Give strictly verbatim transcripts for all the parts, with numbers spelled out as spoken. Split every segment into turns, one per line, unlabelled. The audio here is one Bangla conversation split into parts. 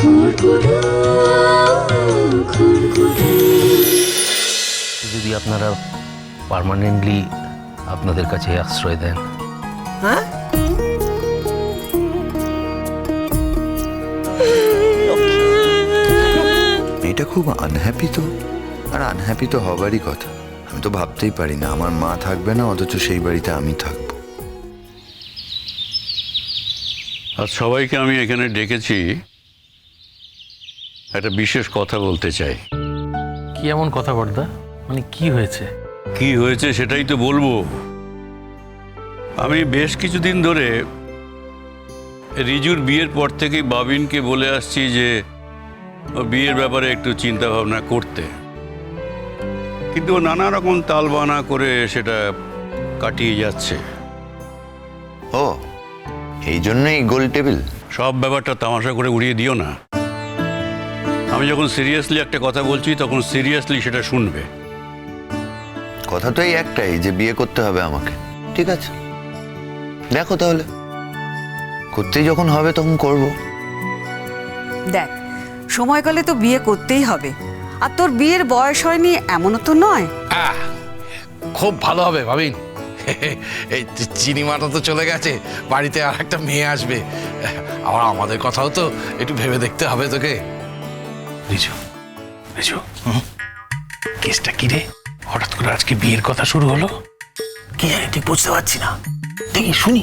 যদি আপনারা পার্মানেন্টলি আপনাদের কাছে আশ্রয় দেন।
হ্যাঁ,
এটা খুব আনহ্যাপি তো, আর আনহ্যাপি তো হবারই কথা। আমি তো ভাবতেই পারি না আমার মা থাকবে না, অথচ সেই বাড়িতে আমি থাকবো।
আর সবাইকে আমি এখানে ডেকেছি, একটা বিশেষ কথা বলতে চাই।
কি এমন কথা বর্দা? মানে কি হয়েছে?
কি হয়েছে সেটাই তো বলবো। আমি বেশ কিছুদিন ধরে রিজুর বিয়ের পর থেকেই বাবিনকে বলে আসছি যে বিয়ের ব্যাপারে একটু চিন্তা ভাবনা করতে, কিন্তু ও নানা রকম তালবানা করে সেটা কাটিয়ে যাচ্ছে।
ও, এই জন্যই গোল টেবিল?
সব ব্যাপারটা তামাশা করে উড়িয়ে দিও না। আমি যখন সিরিয়াসলি একটা কথা বলছি তখন সিরিয়াসলি সেটা শুনবে।
কথা তো এই একটাই যে বিয়ে করতে হবে আমাকে। ঠিক আছে, দেখো তাহলে, করতেই যখন হবে তখন করব।
দেখ, সময়কালে তো বিয়ে করতেই হবে, আর তোর বিয়ের বয়স হয়নি এমনও তো নয়।
আহ, খুব ভালো হবে ভাবিন। এই চিনিমাটা তো চলে গেছে, বাড়িতে আর একটা মেয়ে আসবে। আবার আমাদের কথাও তো একটু ভেবে দেখতে হবে তোকে।
রিজু, রিজু, কেসটা কি রে? হঠাৎ করে আজকে বিয়ের কথা শুরু হলো, কি জানি, ঠিক বুঝতে পারছি না। দেখি শুনি।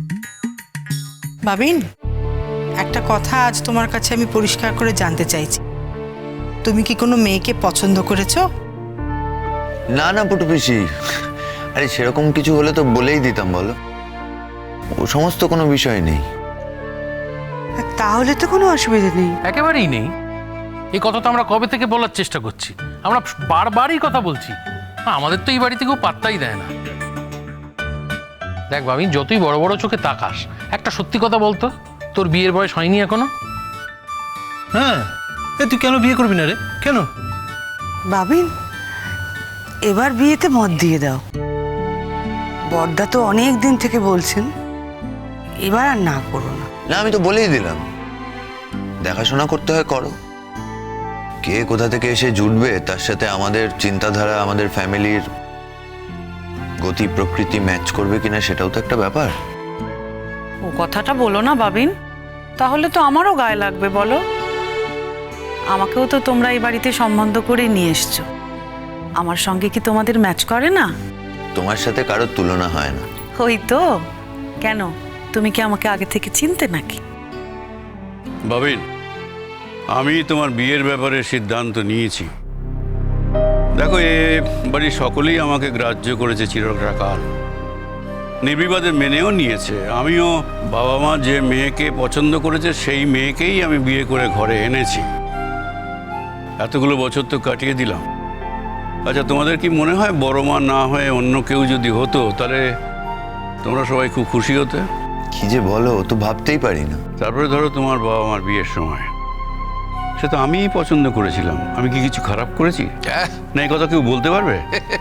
বাবিন, একটা কথা আজ তোমার কাছে আমি পরিষ্কার করে জানতে চাইছি। তুমি কি কোনো মেয়েকে পছন্দ করেছো?
না না পুটু পিসি, আরে সেরকম কিছু হলে তো বলেই দিতাম, বলো। ও সমস্ত কোনো বিষয় নেই।
তাহলে তো কোনো অসুবিধা নেই।
একেবারেই নেই। এই কথা তো আমরা কবে থেকে বলার চেষ্টা করছি, আমরা বারবারই কথা বলছি। হ্যাঁ, আমাদের তো এই বাড়িতে কেউ পাত্তাই দেয় না। দেখ বাবিন, যতই বড় বড় চোখে তাকাস, একটা সত্যি কথা বলতো, তোর বিয়ের বয়স হয়নি এখনো।
হ্যাঁ, এ তুই কেন বিয়ে করবি না রে? কেন?
বাবিন, এবার বিয়েতে মত দিয়ে দাও। বড়দা তো অনেক দিন থেকে বলছেন, এবার আর না করো না।
না, আমি তো বলেই দিলাম, দেখাশোনা করতে হয় করো। কে কোথা থেকে এসে জুটবে তার সাথে আমাদের চিন্তাধারা, আমাদের ফ্যামিলির গতি প্রকৃতি ম্যাচ করবে কিনা সেটাও তো একটা ব্যাপার।
ও কথাটা বলো না বাবিন, তাহলে তো আমারও গায়ে লাগবে। বলো, আমাকেও তো তোমরা এই বাড়িতে সম্বন্ধ করে নিয়ে এসছো, আমার সঙ্গে কি তোমাদের ম্যাচ করে না?
তোমার সাথে কারোর তুলনা হয় না।
ওই তো। কেন, তুমি কি আমাকে আগে থেকে চিনতে নাকি?
বাবিন, আমি তোমার বিয়ের ব্যাপারে সিদ্ধান্ত নিয়েছি। দেখো, এ বাড়ির সকলেই আমাকে গ্রাহ্য করেছে চিরকাল, নির্বিবাদে মেনেও নিয়েছে। আমিও বাবা মা যে মেয়েকে পছন্দ করেছে সেই মেয়েকেই আমি বিয়ে করে ঘরে এনেছি। এতগুলো বছর তো কাটিয়ে দিলাম। আচ্ছা, তোমাদের কি মনে হয় বড় মা না হয়ে অন্য কেউ যদি হতো তাহলে তোমরা সবাই খুব খুশি হতে?
কি যে বলো, তো ভাবতেই পারি না।
তারপরে ধরো তোমার বাবা মার বিয়ের সময়, সে তো আমিই পছন্দ করেছিলাম। আমি কি কিছু খারাপ করেছি? না, এই কথা কেউ বলতে পারবে?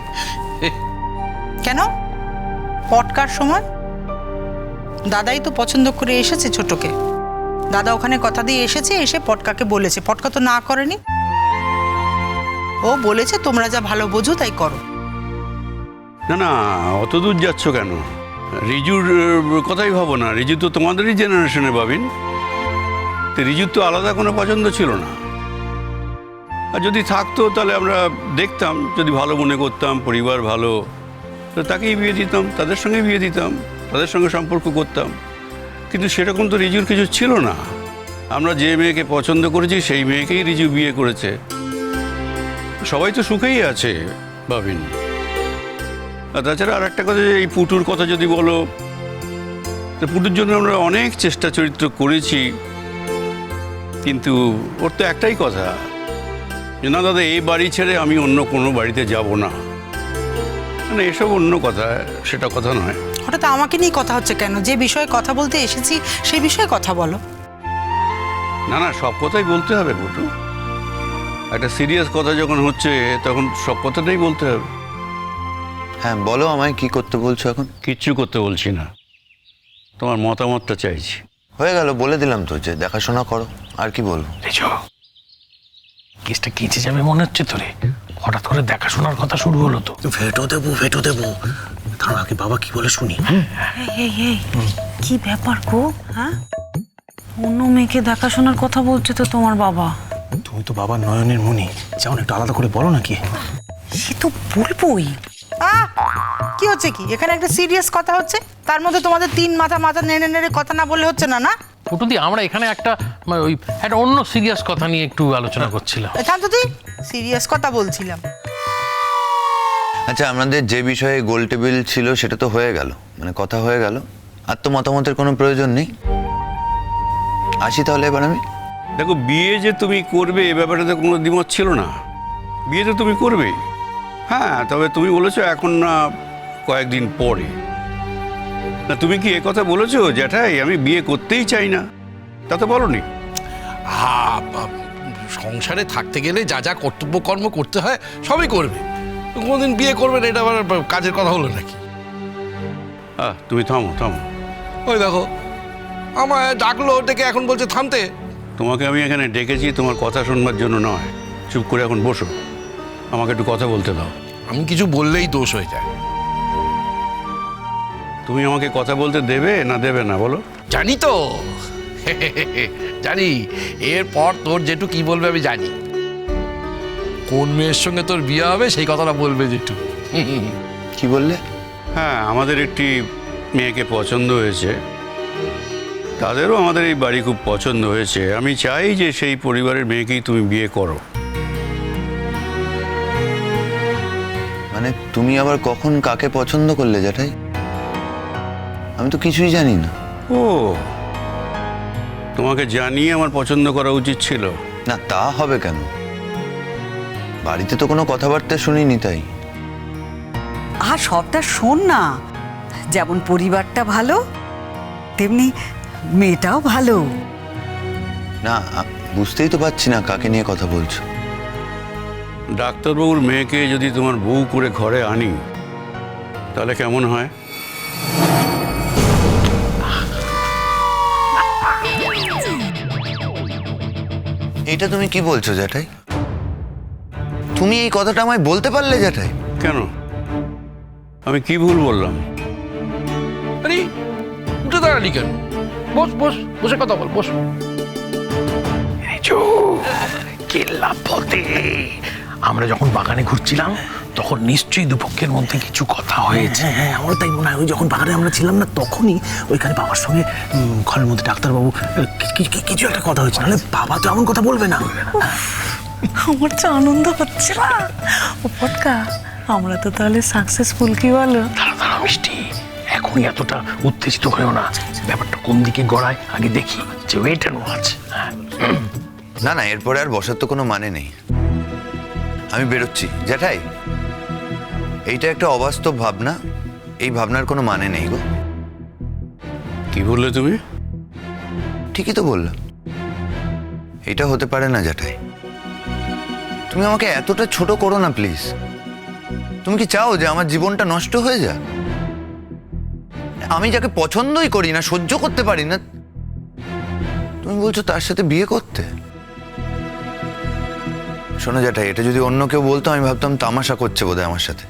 কেন? পটকার সময় দাদাই তো পছন্দ করে এসেছে ছোটকে। দাদা ওখানে কথা দিয়ে এসেছে, এসে পটকাকে বলেছে, পটকা তো না করেনি। ও বলেছে তোমরা যা ভালো বোঝো তাই করো।
না না, অত দূর যাচ্ছ কেন? রিজুর কথাই ভাবো না। রিজু তো তোমাদেরই জেনারেশনে পাবেন। তো রিজুর তো আলাদা কোনো পছন্দ ছিল না। আর যদি থাকতো তাহলে আমরা দেখতাম, যদি ভালো মনে করতাম, পরিবার ভালো, তো তাকেই বিয়ে দিতাম, তাদের সঙ্গে বিয়ে দিতাম, তাদের সঙ্গে সম্পর্ক করতাম। কিন্তু সেরকম তো রিজুর কিছু ছিল না। আমরা যে মেয়েকে পছন্দ করেছি সেই মেয়েকেই রিজু বিয়ে করেছে। সবাই তো সুখেই আছে ভাবিন। আর তাছাড়া আর একটা কথা, এই পুটুর কথা যদি বলো, তো পুটুর জন্য আমরা অনেক চেষ্টা চরিত্র করেছি, কিন্তু ওর তো একটাই কথা যে না দাদা, এই বাড়ি ছেড়ে আমি অন্য কোনো বাড়িতে যাব না। মানে এসব অন্য কথা, সেটা কথা নয়।
হঠাৎ আমাকে নিয়ে কথা হচ্ছে কেন? যে বিষয়ে কথা বলতে এসেছি সেই বিষয়ে কথা বলো।
না না, সব কথাই বলতে হবে পুটু। একটা সিরিয়াস কথা যখন হচ্ছে তখন সব কথাটাই বলতে হবে।
হ্যাঁ বলো, আমায় কি করতে বলছো এখন?
কিচ্ছু করতে বলছি না, তোমার মতামতটা চাইছি।
হয়ে গেল, বলে দিলাম তো যে দেখাশোনা করো, আর কি বলবো?
রিজু, কেসটা কেঁচে যাবে মনে হচ্ছে তোরে? হঠাৎ করে দেখাশোনার কথা শুরু হলো তো।
ভেটো দেবো ভেটো দেবো তার আগে বাবা কি বলে শুনি।
এই এই কি ব্যাপার গো? হ্যাঁ, অন্য মেয়েকে দেখাশোনার কথা বলছে তো তোমার বাবা।
তুমি তো বাবা নয়নের মনি, যেমন একটু আলাদা করে বলো নাকি।
সে তো বলবোই।
আহ কি হচ্ছে কি এখানে? একটা সিরিয়াস কথা হচ্ছে, তার মধ্যে তোমাদের তিন মাথা মাথা নেড়ে নেড়ে কথা না বললে হচ্ছে না না?
ফুটুদি, আমরা এখানে একটা মানে ওই একটা অন্য সিরিয়াস কথা নিয়ে একটু আলোচনা করছিলাম।
এখান তো তুই সিরিয়াস কথা বলছিলাম।
আচ্ছা, আমাদের যে বিষয়ে গোল টেবিল ছিল সেটা তো হয়ে গেল, মানে কথা হয়ে গেল। আর তো মতামতের কোনো প্রয়োজন নেই। আসি তাহলে এবার আমি।
দেখো, বিয়ে যে তুমি করবে এ ব্যাপারে কোনো দ্বিমত ছিল না। বিয়ে তো তুমি করবেই। হ্যাঁ, তবে তুমি বলেছো এখন না, কয়েকদিন পরে। না, তুমি কি এ কথা বলেছো জ্যাঠাই আমি বিয়ে করতেই চাই না? তা তো বলনি।
হ্যাঁ, সংসারে থাকতে গেলে যা যা কর্তব্য কর্ম করতে হয় সবই করবে। কোনোদিন বিয়ে করবেন এটা আবার কাজের কথা হলো নাকি?
আহ তুমি থামো থামো।
ওই দেখো, আমায় ডাকলো, ডেকে এখন বলছে থামতে।
তোমাকে আমি এখানে ডেকেছি তোমার কথা শুনবার জন্য নয়। চুপ করে এখন বসো, আমাকে একটু কথা বলতে দাও।
আমি কিছু বললেই দোষ হয়ে যায়।
তুমি আমাকে কথা বলতে দেবে না দেবে না বলো?
জানি তো, জানি। এরপর তোর জেঠু কি বলবে আমি জানি। কোন মেয়ের সঙ্গে তোর বিয়ে হবে সেই কথাটা বলবে জেঠু।
কি বললে?
হ্যাঁ, আমাদের একটি মেয়েকে পছন্দ হয়েছে, তাদেরও আমাদের এই বাড়ি খুব পছন্দ হয়েছে। আমি চাই যে সেই পরিবারের মেয়েকেই তুমি বিয়ে করো।
মানে তুমি আবার কখন কাকে পছন্দ করলে জ্যাঠাই? আমি তো কিছুই জানি না।
ও, তোমাকে জানিয়ে আমার পছন্দ করা উচিত ছিল।
না, তা হবে কেন? বাড়িতে তো কোনো কথাবার্তা শুনিনি তাই।
আর সবটা শোন না, যেমন পরিবারটা ভালো তেমনি মেয়েটাও ভালো।
না, আ- বুঝতেই তো পারছি না কাকে নিয়ে কথা বলছো।
ডাক্তারবাবুর মেয়েকে যদি তোমার বউ করে ঘরে আনি তাহলে কেমন হয়?
এটা তুমি কি বলছো জ্যাঠাই? তুমি এই কথাটা আমায় বলতে পারলে জ্যাঠাই?
কেন, আমি কি ভুল বললাম?
আরে উঠে দাঁড়ালি কেন? বস বস, বসে কথা বল, বস।
রিজু, কেল্লা পথে আমরা যখন বাগানে ঘুরছিলাম তখন নিশ্চয়ই দুপক্ষের মধ্যে কিছু কথা হয়েছে। হ্যাঁ, আমারও তাই মনে হয়। ওই যখন বাগানে আমরা ছিলাম না, তখনই ওইখানে বাবার সঙ্গে উম, ঘরের মধ্যে ডাক্তারবাবু কি- কি- কি- কিছু একটা কথা হয়েছে। নাহলে বাবা তো এমন কথা বলবে না।
আমার তো আনন্দ হচ্ছে না। ও পটকা, আমরা তো তাহলে সাকসেসফুল, কি বলো?
দাঁড়া দাঁড়া মিষ্টি, এখনই এতটা উত্তেজিত হয়েও না। ব্যাপারটা কোন দিকে গড়ায় আগে দেখি, যে ওয়েট অ্যান্ড ওয়াচ।
না না, এরপরে আর বসার তো কোনো মানে নেই। আমি বেরোচ্ছি জ্যাঠাই। এইটা একটা অবাস্তব ভাবনা, এই ভাবনার কোনো মানে নেই গো।
কি বললে তুমি?
ঠিকই তো বললাম, এটা হতে পারে না জ্যাঠাই। তুমি আমাকে এতটা ছোট করো না প্লিজ। তুমি কি চাও যে আমার জীবনটা নষ্ট হয়ে যাক? আমি যাকে পছন্দই করি না, সহ্য করতে পারি না, তুমি বলছো তার সাথে বিয়ে করতে? শোনো জ্যাঠাই, এটা যদি অন্য কেউ বলতো আমি ভাবতাম তামাশা করছে বোধহয় আমার সাথে।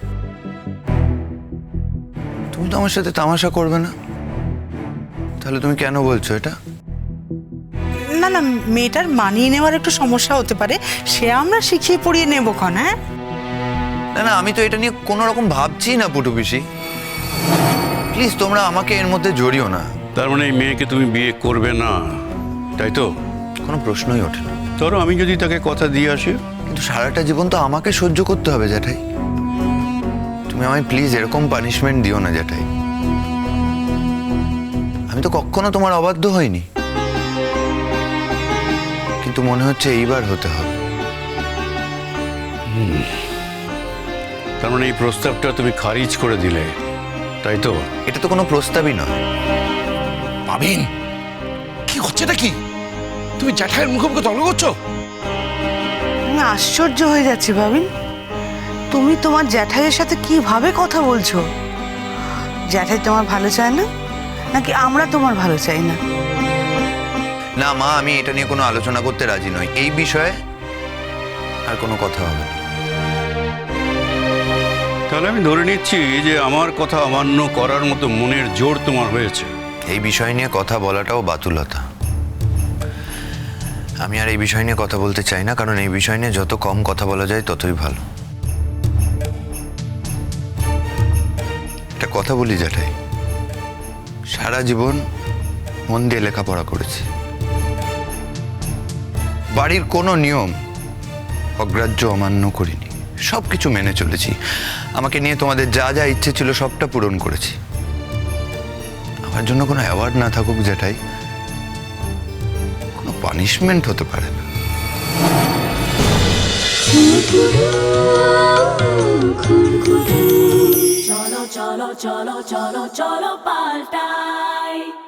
তুমি তো আমার সাথে তামাশা করবে না, তাহলে তুমি কেন বলছো এটা?
না না, মেয়েটার মানিয়ে নেওয়ার একটু সমস্যা হতে পারে, সে আমরা শিখিয়ে পড়িয়ে নেবো ক্ষণ। হ্যাঁ,
না না, আমি তো এটা নিয়ে কোনো রকম ভাবছি না পুটু পিসি। প্লিজ তোমরা আমাকে এর মধ্যে জড়িও না।
তার মানে এই মেয়েকে তুমি বিয়ে করবে না, তাই তো?
কোনো প্রশ্নই ওঠে না।
ধরো আমি যদি তাকে কথা দিয়ে আসি?
কিন্তু সারাটা জীবন তো আমাকে সহ্য করতে হবে জ্যাঠাই। তুমি আমায় প্লিজ এরকম পানিশমেন্ট দিও না জ্যাঠাই। আমি তো কখনো তোমার অবাধ্য হইনি, কিন্তু মনে হচ্ছে এইবার হতে হবে।
তার মানে এই প্রস্তাবটা তুমি খারিজ করে দিলে, তাই তো?
এটা তো কোনো প্রস্তাবই নয়।
পাবেন কি হচ্ছে নাকি? তুমি জ্যাঠাইয়ের মুখে মুখে তর্ক করছো?
আমি আশ্চর্য হয়ে যাচ্ছি ভাবিন, তুমি তোমার জ্যাঠাইয়ের সাথে কিভাবে কথা বলছো? জ্যাঠাই তোমার ভালো চায় না, নাকি আমরা তোমার ভালো চাই না?
না মা, আমি এটা নিয়ে কোনো আলোচনা করতে রাজি নই। এই বিষয়ে আর কোনো কথা হবে না।
তাহলে আমি ধরে নিচ্ছি যে আমার কথা অমান্য করার মতো মনের জোর তোমার হয়েছে।
এই বিষয় নিয়ে কথা বলাটাও বাতুলতা। আমি আর এই বিষয় নিয়ে কথা বলতে চাই না, কারণ এই বিষয় নিয়ে যত কম কথা বলা যায় ততই ভালো। একটা কথা বলি জ্যাঠাই, সারা জীবন মন দিয়ে লেখাপড়া করেছি, বাড়ির কোনো নিয়ম অগ্রাহ্য অমান্য করিনি, সব কিছু মেনে চলেছি। আমাকে নিয়ে তোমাদের যা যা ইচ্ছে ছিল সবটা পূরণ করেছি। আমার জন্য কোনো অ্যাওয়ার্ড না থাকুক জ্যাঠাই, কোনো পানিশমেন্ট হতে পারে না।
cholo cholo cholo cholo cholo paltai